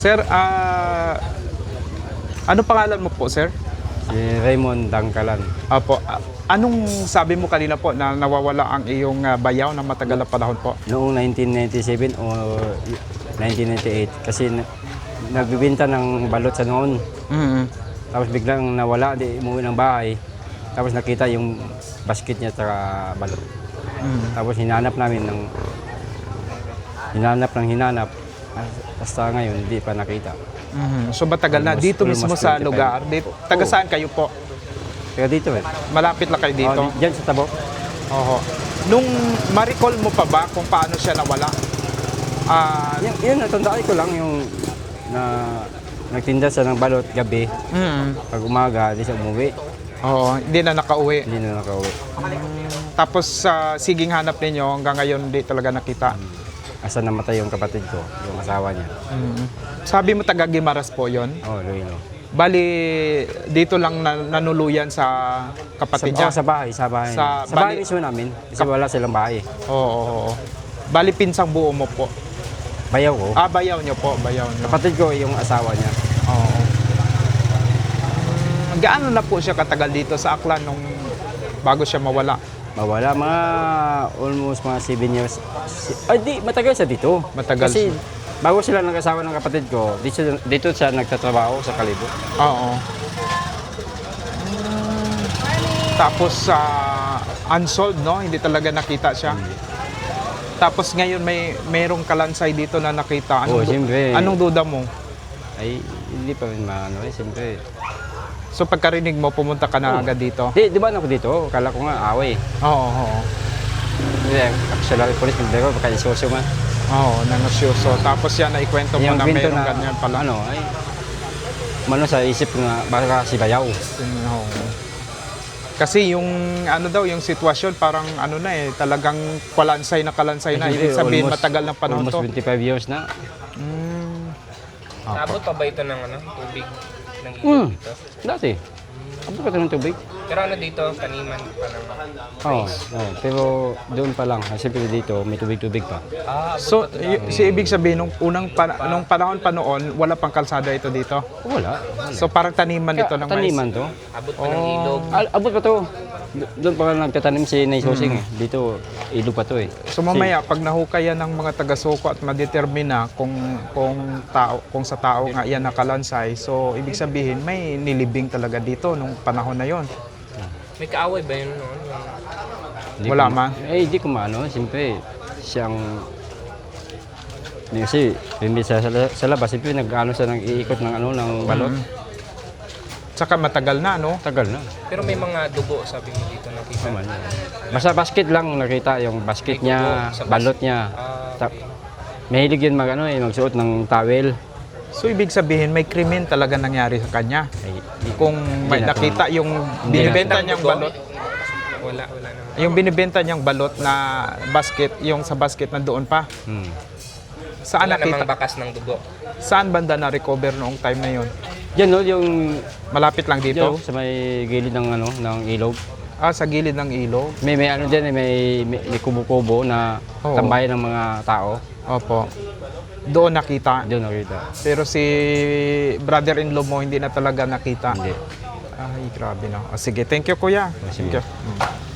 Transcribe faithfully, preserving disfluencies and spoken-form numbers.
Sir, ah, ano pangalan mo po, sir? Si Raymond Dangkalan. Apo, ah, anong sabi mo kanina po na nawawala ang iyong ah, bayaw na matagal na panahon po? Noong nineteen ninety-seven o nineteen ninety-eight kasi na, nagbibenta ng balot sa noon. Mm-hmm. Tapos biglang nawala, di umuwi ng bahay. Tapos nakita yung basket niya at balot. Mm-hmm. Tapos hinanap namin ng hinanap ng hinanap. Hasta ngayon, hindi pa nakita. Mm-hmm. So matagal na, Almost- dito mismo almost sa twenty-five. lugar. Dito, taga saan kayo po? Kaya dito eh. Malapit lang kayo dito? Oh, di- dyan sa Tabo. Oho. Nung ma-recall mo pa ba kung paano siya nawala? Ah, Yan, yun, natandaan ko lang yung na nagtinda siya ng balot gabi. mm, Pag umaga, di siya umuwi. oo, hindi na nakauwi. Hindi na nakauwi. Tapos sa siging hanap ninyo, hanggang ngayon hindi talaga nakita. Asa namatay yung kapatid ko, yung asawa niya. Mm. Sabi mo taga Gimaras po yon. Oh, Luino. Bali, dito lang na, nanuluyan sa kapatid Sa, niya. oh, sa bahay, sa bahay. Sa Sa, bali- bahay mismo namin. Kasi wala silang bahay. Oo, oo, oo. Bali, pinsang buo mo po. Bayaw ko. Ah, bayaw niyo po, bayaw niyo. Kapatid ko yung asawa niya. Oo. Mm, gaano na po siya katagal dito sa Aklan nung bago siya mawala? Mawala mga almost mga seven years. Si- Ay, di, matagal siya dito. Matagal Kasi siya. bago sila ng asawa ng kapatid ko, dito, dito siya nagtatrabaho sa Kalibo. Oo. Mm, tapos sa unsolved, no? Hindi talaga nakita siya. Tapos ngayon may merong kalansay dito na nakita. Anong, Oo, du- siyempre. anong duda mo? Ay, hindi pa rin maano eh, siyempre. So pagkarinig mo, pumunta ka na Oo. agad dito? Di, di ba ako dito? Kala ko nga away. Oo, oo. Hindi, actually, police, hindi ko, baka isosyo man. Oo, nangosyoso. Tapos yan, naikwento mo na kwento merong ganyan pala. Ano, ay, mano sa isip ko nga, baka si Bayaw. Oo. Kasi yung ano daw, yung sitwasyon parang ano na eh, talagang kalansay na kalansay na. Ibig sabihin Almost- matagal ng panahon Almost to. twenty-five years na. Mm. Naabot pa ba ito ng ano, tubig ng ilog Hmm. dito? Dati. Ano ka ng tubig? Pero ano dito, taniman pa ng Oo, oh, pero doon pa lang. Siyempre dito, may tubig-tubig pa. Ah, abot So, pa to y- si ibig sabihin, nung unang pa- nung panahon pa noon, wala pang kalsada ito dito. Wala. So, parang taniman ito ng mais. Taniman to. abot pa ng ilog. Al abot pa to. Do- Doon pa lang nagtatanim si Nay Sosing eh. Dito, ilog pa to eh. So mamaya pag nahukayan ng mga taga-suko at madetermina kung kung tao kung sa tao nga yan nakalansay, so ibig sabihin may nilibing talaga dito nung panahon na yon. May kaaway ba yun noon? Yung... Hindi Wala ko- man. Eh, hindi ko maano. Siyempre, siyang... Hindi kasi, hindi sa, sa, sa labas, siyempre nag-ano siya, nag-iikot ng ano, ng balot. Mm. Tsaka matagal na, no? Tagal na. Pero may mga dugo, sabi mo dito nakita. Naman. Basta basket lang nakita, yung basket May niya, dugo sa bas- balot niya. Ah, Ta- Mahilig yun mag, ano, eh, magsuot ng towel. So ibig sabihin may krimen talaga nangyari sa kanya. Ay, Kung may Hindi na- nakita yung Hindi binibenta Ng niyang dugo? balot, Wala, wala naman. yung binibenta niyang balot na basket, yung sa basket na doon pa. Hmm. Saan Wala namang nakita? bakas ng dugo. Saan banda na recover noong time na yon? Yan no, yung Malapit lang dito dito. sa may gilid ng ano, ng ilog. Ah, sa gilid ng ilog. May may ano diyan, eh, may may, may kubo-kubo na Oo. tambayan ng mga tao. Opo. Doon nakita. Doon nakita. Pero si brother-in-law mo hindi na talaga nakita. Hindi. Ay, grabe na. Ah, sige, thank you kuya. sige. Thank you. Mm.